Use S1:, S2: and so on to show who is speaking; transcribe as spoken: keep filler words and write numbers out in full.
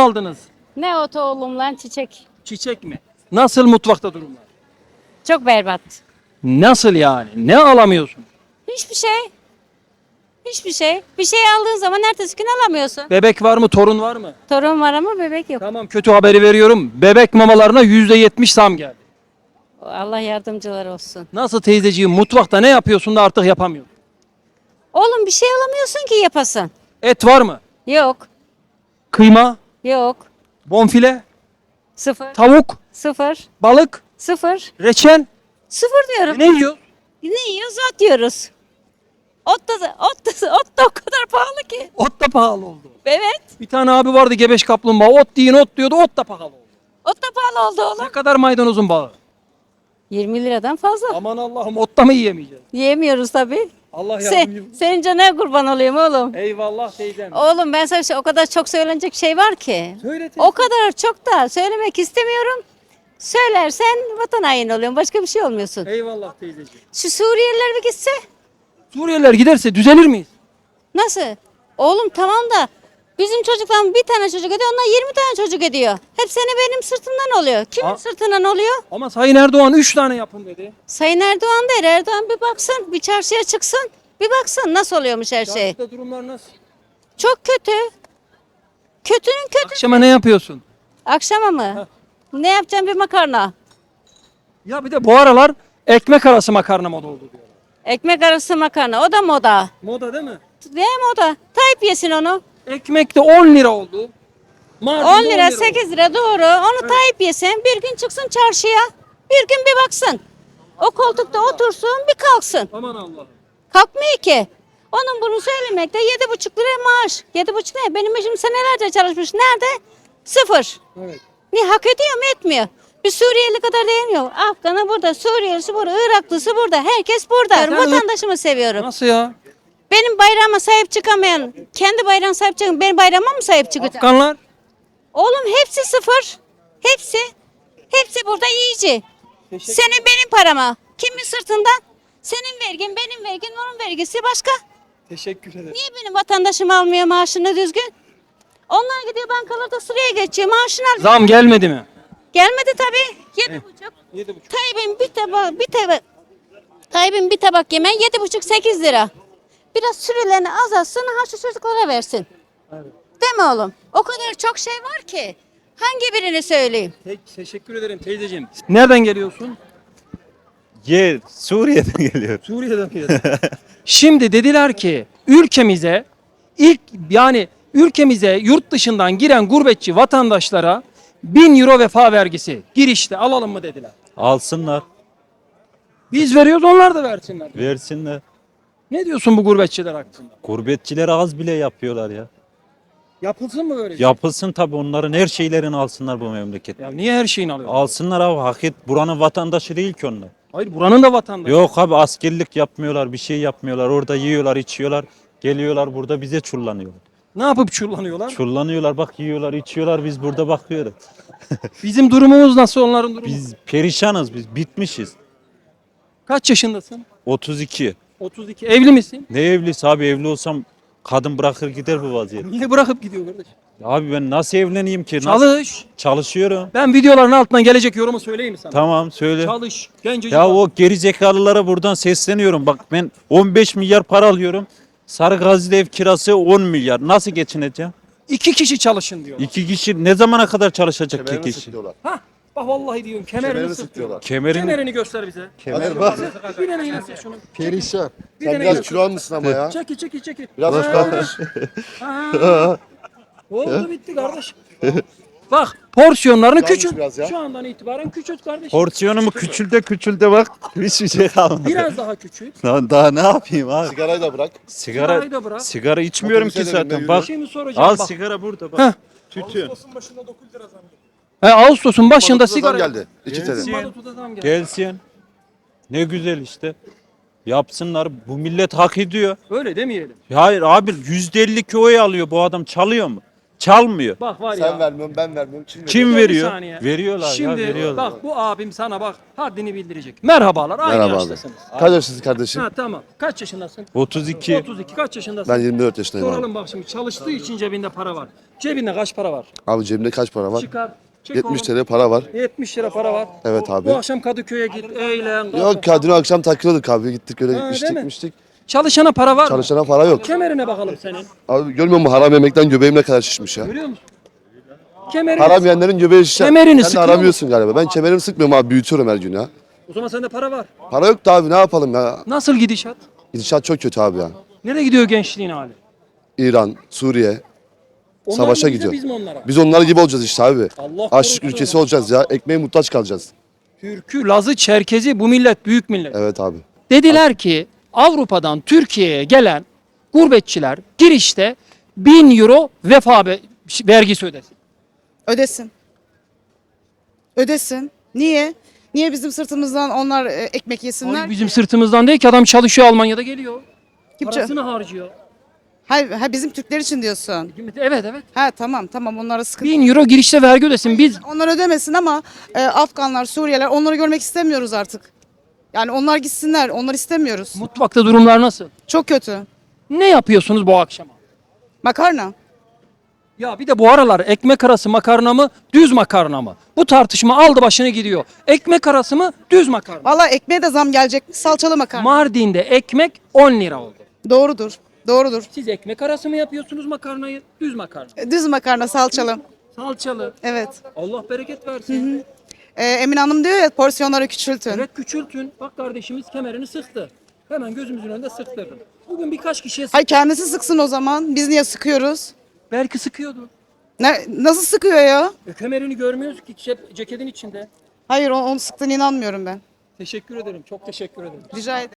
S1: aldınız?
S2: Ne otu oğlum lan çiçek.
S1: Çiçek mi? Nasıl mutfakta durumlar?
S2: Çok berbat.
S1: Nasıl yani? Ne alamıyorsun?
S2: Hiçbir şey. Hiçbir şey. Bir şey aldığın zaman ertesi gün alamıyorsun.
S1: Bebek var mı? Torun var mı?
S2: Torun var ama bebek yok.
S1: Tamam, kötü haberi veriyorum. Bebek mamalarına yüzde yetmiş zam geldi.
S2: Allah yardımcılar olsun.
S1: Nasıl teyzeciğim, mutfakta ne yapıyorsun da artık yapamıyorsun?
S2: Oğlum bir şey alamıyorsun ki yapasın.
S1: Et var mı?
S2: Yok.
S1: Kıyma,
S2: Yok.
S1: bonfile,
S2: Sıfır.
S1: tavuk,
S2: Sıfır.
S1: balık,
S2: Sıfır.
S1: reçel.
S2: Sıfır diyorum.
S1: E ne yiyor?
S2: Ne yiyoruz? Ot yiyoruz. Ot da, ot da, ot da o kadar pahalı ki.
S1: Ot da pahalı oldu.
S2: Evet.
S1: Bir tane abi vardı, gebeş kaplumbağa. Ot deyin ot diyordu, ot da pahalı oldu.
S2: Ot da pahalı oldu oğlum.
S1: Ne kadar maydanozun bağı?
S2: yirmi liradan fazla.
S1: Aman Allah'ım, ot da mı yiyemeyeceğiz?
S2: Yiyemiyoruz tabii.
S1: Allah
S2: Sen,
S1: yardımcımız.
S2: senin canına kurban olayım oğlum.
S1: Eyvallah teyzem.
S2: Oğlum ben sana bir şey, o kadar çok söylenecek şey var ki.
S1: Söyle teyze.
S2: O kadar çok da söylemek istemiyorum. Söylersen vatan haini oluyorsun. Başka bir şey olmuyorsun.
S1: Eyvallah teyzeciğim.
S2: Şu Suriyeliler bir gitse
S1: Suriyeliler giderse düzelir miyiz?
S2: nasıl? Oğlum tamam da bizim çocuktan bir tane çocuk ediyor. Onlar yirmi tane çocuk ediyor. Hep seni benim sırtımdan oluyor. Kimin
S1: Aa.
S2: sırtından oluyor?
S1: Ama Sayın Erdoğan üç tane yapın dedi.
S2: Sayın Erdoğan der. Erdoğan bir baksın. Bir çarşıya çıksın. Bir baksın nasıl oluyormuş her şey.
S1: Çarşıda durumlar nasıl?
S2: Çok kötü. Kötünün kötü.
S1: Akşama ne yapıyorsun?
S2: Akşama mı? Ne yapacağım, bir makarna.
S1: Ya bir de bu aralar ekmek arası makarna moda oldu diyorlar.
S2: Ekmek arası makarna. O da moda.
S1: Moda değil mi?
S2: Ne moda? Tayyip yesin onu.
S1: Ekmek de on lira oldu. Mardin'de
S2: on lira,
S1: oldu.
S2: sekiz lira doğru. Onu Tayyip yesin. Bir gün çıksın çarşıya. Bir gün bir baksın. O koltukta otursun, bir kalksın.
S1: Aman Allah'ım.
S2: Kalkmıyor ki. Onun bunu söylemekte yedi buçuk lira maaş. Yedi buçuk ne? Benim eşim senelerce çalışmış. Nerede? Sıfır.
S1: Evet.
S2: Ne hak ediyor mu etmiyor? Bir Suriyeli kadar değmiyor. Afganı burada, Suriyelisi burada, Iraklısı burada. Herkes burada.
S1: Sen
S2: Vatandaşımı seviyorum.
S1: Nasıl ya?
S2: Benim bayrağıma sahip çıkamayan, kendi bayrağına sahip çıkan benim bayrağıma mı sahip çıkacak?
S1: Afganlar.
S2: Oğlum hepsi sıfır. Hepsi. Hepsi burada yiyici. Senin benim parama. Kimin sırtından? Senin vergin, benim vergin, onun vergisi başka.
S1: Teşekkür ederim.
S2: Niye benim vatandaşım almıyor maaşını düzgün? Onlar gidiyor bankalarda sıraya geçiyor, maaşını alıyor.
S1: Zam gelmedi mi?
S2: Gelmedi tabii. Yedi buçuk.
S1: Yedi buçuk.
S2: Tayyip'in bir tabak, bir tabak, Tayyip'in bir tabak yemeği yedi buçuk, sekiz lira. Biraz sürelerini azaltsın, ha şu çocuklara versin.
S1: Evet.
S2: Değil mi oğlum? O kadar çok şey var ki. Hangi birini söyleyeyim?
S1: Peki, teşekkür ederim teyzeciğim. Nereden geliyorsun?
S3: Ye Suriye'den geliyor.
S1: Suriye'den geliyorsun. Şimdi dediler ki ülkemize ilk yani ülkemize yurt dışından giren gurbetçi vatandaşlara bin euro vefa vergisi girişte alalım mı dediler.
S3: Alsınlar,
S1: Biz veriyoruz, onlar da versinler.
S3: versinler.
S1: Ne diyorsun bu gurbetçiler hakkında?
S3: Gurbetçiler az bile yapıyorlar ya.
S1: Yapılsın mı böyle şey?
S3: Yapılsın tabii, onların her şeylerini alsınlar bu memleket.
S1: Ya niye her şeyini alıyorlar?
S3: Alsınlar abi, hak et. Buranın vatandaşı değil ki onlar.
S1: Hayır, buranın da vatandaşı.
S3: Yok abi, askerlik yapmıyorlar, bir şey yapmıyorlar. Orada yiyorlar, içiyorlar. Geliyorlar burada bize çullanıyorlar.
S1: Ne yapıp çullanıyorlar?
S3: Çullanıyorlar, bak yiyorlar, içiyorlar, biz burada bakıyoruz.
S1: Bizim durumumuz nasıl, onların durumu?
S3: Biz perişanız, biz bitmişiz.
S1: Kaç yaşındasın?
S3: otuz iki.
S1: otuz iki. Evli misin?
S3: Ne evlisi abi, evli olsam kadın bırakır gider bu vaziyet.
S1: Niye bırakıp gidiyor kardeş?
S3: Abi ben nasıl evleneyim ki? Nasıl?
S1: Çalış.
S3: Çalışıyorum.
S1: Ben videoların altından gelecek yorumu söyleyeyim mi sana?
S3: Tamam söyle.
S1: Çalış. Gencecik.
S3: Ya
S1: bak.
S3: o geri zekalılara buradan sesleniyorum. Bak ben on beş milyar para alıyorum. Sarıgazi'de ev kirası on milyar. Nasıl geçineceğim?
S1: İki kişi çalışın diyor.
S3: İki kişi ne zamana kadar çalışacak iki
S4: Kemerini
S3: kişi?
S4: sıkıyorlar.
S1: Hah. Bak vallahi diyorum, kemerini,
S4: Kemerini
S1: sık
S4: sıkıyorlar.
S3: Kemerini
S1: Kemerini göster bize.
S4: Kemer bak.
S1: Bir tane yine sık şunu.
S4: Perişan.
S1: Bir
S4: Sen
S1: tane
S4: biraz
S1: yine
S4: kilo almışsın ama ya.
S1: Çeki çeki çeki.
S4: Biraz
S1: Ha.
S4: kilo almış.
S1: Ha. Oldu bitti kardeş. Bak porsiyonlarını
S4: Yanlış
S1: küçült.
S4: biraz ya.
S1: Şu andan itibaren küçült kardeş.
S3: Porsiyonumu küçülde küçülde bak. Hiçbir şey kalmadı.
S1: Biraz daha küçült.
S3: Daha, daha ne yapayım abi?
S4: Sigarayı da bırak.
S3: Sigara
S1: Sigarayı da bırak.
S3: sigara içmiyorum
S4: Otobüse
S3: ki
S4: de binme,
S3: zaten.
S4: yürü.
S3: Bak.
S1: Şimdi soracağım
S3: Al
S1: bak.
S3: sigara burada
S1: Heh.
S3: bak. Tütün.
S1: He, Ağustos'un başında
S4: Mazotu da
S1: sigara
S4: zam geldi. İki
S3: Gelsin.
S4: sene.
S1: Mazotu da zam geldi.
S3: Gelsin. Ne güzel işte. Yapsınlar. Bu millet hak ediyor.
S1: Öyle demeyelim.
S3: Hayır abi, yüzde elli oy alıyor bu adam, çalıyor mu? Çalmıyor.
S1: Bak var ya.
S4: Sen vermiyorsun, ben vermiyorum. Kim veriyor?
S3: Kim
S1: Dur bir
S3: veriyor?
S1: saniye.
S3: Veriyorlar
S1: Şimdi
S3: ya veriyorlar.
S1: bak bu abim sana bak haddini bildirecek. Merhabalar aynı
S4: Merhaba abi.
S1: yaştasınız.
S4: Kaç yaşlısın kardeşim?
S1: Ha tamam. Kaç yaşındasın?
S3: otuz iki.
S1: otuz iki. Kaç yaşındasın?
S4: Ben yirmi dört yaşındayım abi.
S1: Soralım bak şimdi çalıştığı için cebinde para var. Cebinde kaç para var?
S4: Abi cebimde kaç para var?
S1: Çıkar. Çek
S4: yetmiş
S1: oğlum.
S4: T L para var.
S1: yetmiş lira para var.
S4: Evet abi.
S1: Bu akşam Kadıköy'e git, eğlen. kalk.
S4: Yok ya dün akşam takılıyorduk abi. Gittik öyle
S1: Ha, değil
S4: içtik
S1: mi?
S4: içtik.
S1: Çalışana para var mı?
S4: Çalışana para yok.
S1: Kemerine bakalım senin.
S4: Abi görmüyor musun haram yemekten göbeğim ne kadar şişmiş ya.
S1: Görüyor musun? Kemerini.
S4: Haram yiyenlerin göbeği şişer.
S1: Kemerini
S4: Sen de
S1: sıkıyor
S4: aramıyorsun galiba. Ben kemerimi sıkmıyorum abi, büyütüyorum her gün ya.
S1: O zaman sende para var.
S4: Para yok da abi, ne yapalım ya.
S1: Nasıl gidişat?
S4: Gidişat çok kötü abi ya.
S1: Nereye gidiyor gençliğin hali?
S4: İran, Suriye
S1: Onlar
S4: savaşa
S1: mı bize,
S4: gidiyor.
S1: biz mi onlara?
S4: Biz onlar gibi olacağız işte abi.
S1: Allah
S4: Açlık
S1: korusun.
S4: ülkesi olacağız ya. Ekmeğe muhtaç kalacağız.
S1: Türkü, Lazı, Çerkezi bu millet büyük millet.
S4: Evet abi.
S1: Dediler ki Avrupa'dan Türkiye'ye gelen gurbetçiler girişte bin euro vefa be- vergisi ödesin.
S5: Ödesin. Ödesin. Niye? Niye bizim sırtımızdan onlar e, ekmek yesinler?
S1: Ay, bizim sırtımızdan değil ki adam çalışıyor Almanya'da geliyor.
S5: Kim ça-
S1: Parasını harcıyor.
S5: Hayır, ha, bizim Türkler için diyorsun.
S1: Evet evet.
S5: Ha tamam tamam onlara sıkıntı.
S1: bin euro girişte vergi ödesin. Biz
S5: Onlar ödemesin ama e, Afganlar, Suriyeliler onları görmek istemiyoruz artık. Yani onlar gitsinler. Onları istemiyoruz.
S1: mutfakta durumlar nasıl?
S5: Çok kötü.
S1: Ne yapıyorsunuz bu akşama?
S5: Makarna.
S1: Ya bir de bu aralar ekmek arası makarna mı, düz makarna mı? Bu tartışma aldı başını gidiyor. Ekmek arası mı, düz makarna mı?
S5: Valla ekmeğe de zam gelecek mi? Salçalı makarna.
S1: Mardin'de ekmek on lira oldu.
S5: Doğrudur. Doğrudur.
S1: Siz ekmek arası mı yapıyorsunuz makarnayı, düz makarna?
S5: E, Düz makarna salçalı.
S1: Salçalı.
S5: Evet.
S1: Allah bereket versin.
S5: E, Emin Hanım diyor ya porsiyonları küçültün.
S1: Evet küçültün. Bak kardeşimiz kemerini sıktı. Hemen gözümüzün önünde sıktırdı. Bugün birkaç kişiye sık.
S5: Hay kendisi sıksın o zaman. Biz niye sıkıyoruz?
S1: Belki sıkıyordu.
S5: Ne, nasıl sıkıyor ya?
S1: E, kemerini görmüyoruz ki cep- ceketin içinde.
S5: Hayır o- onu sıktığına inanmıyorum ben.
S1: Teşekkür ederim. Çok teşekkür ederim.
S5: Rica ederim.